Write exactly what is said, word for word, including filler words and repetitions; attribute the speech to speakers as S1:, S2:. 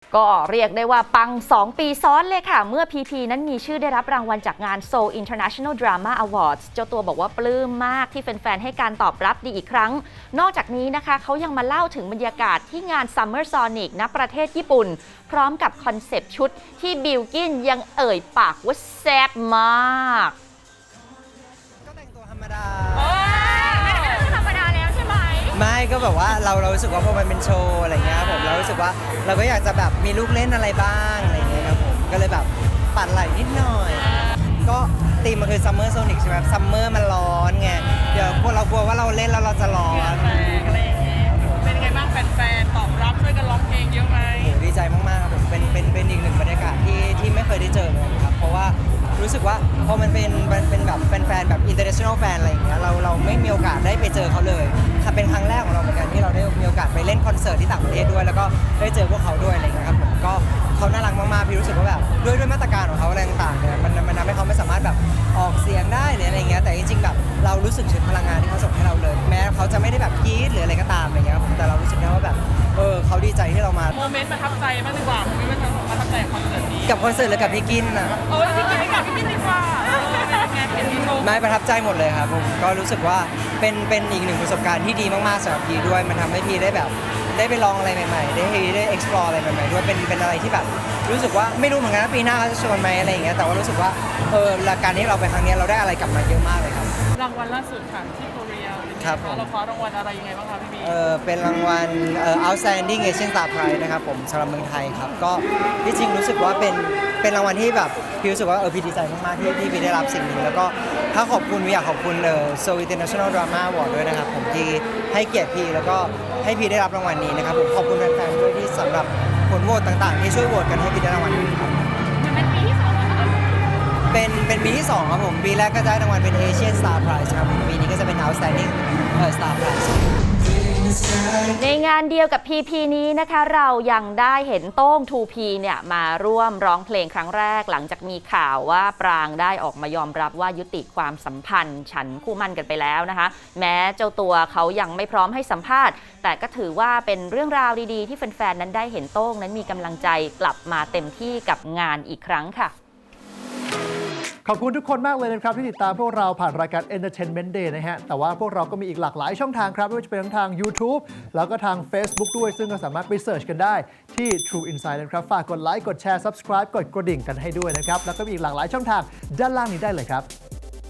S1: ก็เรียกได้ว่าปังสองปีซ้อนเลยค่ะเมื่อ พี พี นั้นมีชื่อได้รับรางวัลจากงาน Seoul International Drama Awards เจ้าตัวบอกว่าปลื้มมากที่แฟนๆให้การตอบรับดีอีกครั้งนอกจากนี้นะคะเขายังมาเล่าถึงบรรยากาศที่งาน Summer Sonic ณประเทศญี่ปุ่นพร้อมกับคอนเซปต์ชุดที่บิลกินยังเอ่ยปากว่าแซ่บมาก
S2: ก็แต่งตัวธรรมดา
S3: ไม่ได้ธรรมดาแล้วใช่ไหม
S2: ไม่ก็แบบว่าเราเรารู้สึกว่าพอมันเป็นโชว์อะไรเงี้ยผมเรารู้สึกว่าเราก็อยากจะแบบมีลูกเล่นอะไรบ้างอะไรเงี้ยครับผมก็เลยแบบปัดไหล่นิดหน่อยก็ธีมมันคือซัมเมอร์โซนิกใช่ไหมซัมเมอร์มันร้อนไงเดี๋ยวพวกเรากลัวว่าเราเล่นแล้วเราจะร้อน
S3: อะไรอย่างเงี้ยเป็นไงบ้างแฟนๆตอบรับช่วยกันร้องเพลงเยอะไหม
S2: ดีใจมากๆครับผมเป็นเป็นเป็นอีกหนึ่งบรรยากาศที่ที่ไม่เคยได้เจอเลยครับเพราะว่ารู้สึกว่าพอมันเป็นมันเป็นแบบแฟนๆแบบ international fan อะไรอย่างเงี้ยเราเราไม่มีโอกาสได้ไปเจอเขาเลยค่ะเป็นครั้งแรกของเราเหมือนกันที่เราได้มีโอกาสไปเล่นคอนเสิร์ตที่ต่างประเทศด้วยแล้วก็ได้เจอพวกเขาด้วยอะไรอย่างเงี้ยครับผมก็เขาน่ารักมากๆพี่รู้สึกว่าแบบด้วยด้วยมาตรการของเขาอะไรต่างๆเนี่ยมันมันทำให้เขาไม่สามารถแบบออกเสียงได้หรืออะไรเงี้ยแต่จริงๆแบบเรารู้สึกถึงพลังงานที่เขาส่งให้เราเลยแม้เขาจะไม่ได้แบบกรี๊ดหรืออะไรก็ตามอะไรเงี้ยครับผมแต่เรารู้สึกนะว่าแบบเออเขาดีใจที่เรามา
S3: โมเมนต์ประทับใจบ้างดีกว่าโมเมนต์ประทับใจคอนเสิร์ตนี้
S2: กับคอนเสิร์ตหรือกับพี่กินอ่ะ
S3: เออพี่กินไม่กับพี่กินดีกว่า
S2: ไม่ประทับใจหมดเลยครับผมก็รู้สึกว่าเป็นเป็นอีกหนึ่งประสบการณ์ที่ดีมากๆสำหรับพีด้วยมันทำให้พีได้แบบได้ไปลองอะไรใหม่ๆได้ได้ explore อะไรใหม่ๆด้วยเป็นเป็นอะไรที่แบบรู้สึกว่าไม่รู้เหมือนกันว่าปีหน้าเขาจะชวนไหมอะไรอย่างเงี้ยแต่ว่ารู้สึกว่าเออการที่เราไปครั้งนี้เราได้อะไรกลับมาเยอะมากเลยครับ
S3: รางวัลล่าสุดค่ะที่โคเรีย
S2: ครับผม
S3: เราคว้ารางวัลอะไรยังไงบ้างคะพี่บี
S2: เออเป็นรางวัลเอ่อ outstanding Asian Star Prize นะครับผมสำหรับเมืองไทยครับก็ที่จริงรู้สึกว่าเป็นเป็นรางวัลที่แบบพี่รู้สึกว่าเออพี่ดีใจมากๆที่ที่พี่ได้รับสิ่งนี้แล้วก็ถ้าขอบคุณพี่อยากขอบคุณเอ่อ Seoul International Drama Award ด้วยนะครับผมที่ให้เกียรติพี่แล้วก็ให้พี่ได้รับรางวัลนี้นะครับผมขอบคุณแฟนๆด้วยที่สำหรับผลโหวตต่างๆที่ช่วยโหวตกันให้พี่ได้รางวัลนี้ครับ
S3: เป็นปีที่สอง
S2: เป็นเป็นปีที่สองครับผมปีแรกก็ได้รางวัลเป็น Asian Star Prize ครับปีนี้ก็จะเป็น Outstanding Star Prize
S1: ในงานเดียวกับ พี พี นี้นะคะเรายังได้เห็นโต้ง ทู พี เนี่ยมาร่วมร้องเพลงครั้งแรกหลังจากมีข่าวว่าปรางได้ออกมายอมรับว่ายุติความสัมพันธ์ฉันคู่มั่นกันไปแล้วนะคะแม้เจ้าตัวเขายังไม่พร้อมให้สัมภาษณ์แต่ก็ถือว่าเป็นเรื่องราวดีๆที่แฟนๆนั้นได้เห็นโต้งนั้นมีกำลังใจกลับมาเต็มที่กับงานอีกครั้งค่ะ
S4: ขอบคุณทุกคนมากเลยนะครับที่ติดตามพวกเราผ่านรายการ Entertainment Day นะฮะแต่ว่าพวกเราก็มีอีกหลากหลายช่องทางครับไม่ว่าจะเป็นทั้งทาง YouTube แล้วก็ทาง Facebook ด้วยซึ่งก็สามารถไปเสิร์ชกันได้ที่ True Insight นะครับฝากกดไลค์กดแชร์ Subscribe กดกระดิ่งกันให้ด้วยนะครับแล้วก็มีอีกหลากหลายช่องทางด้านล่างนี้ได้เลยครับ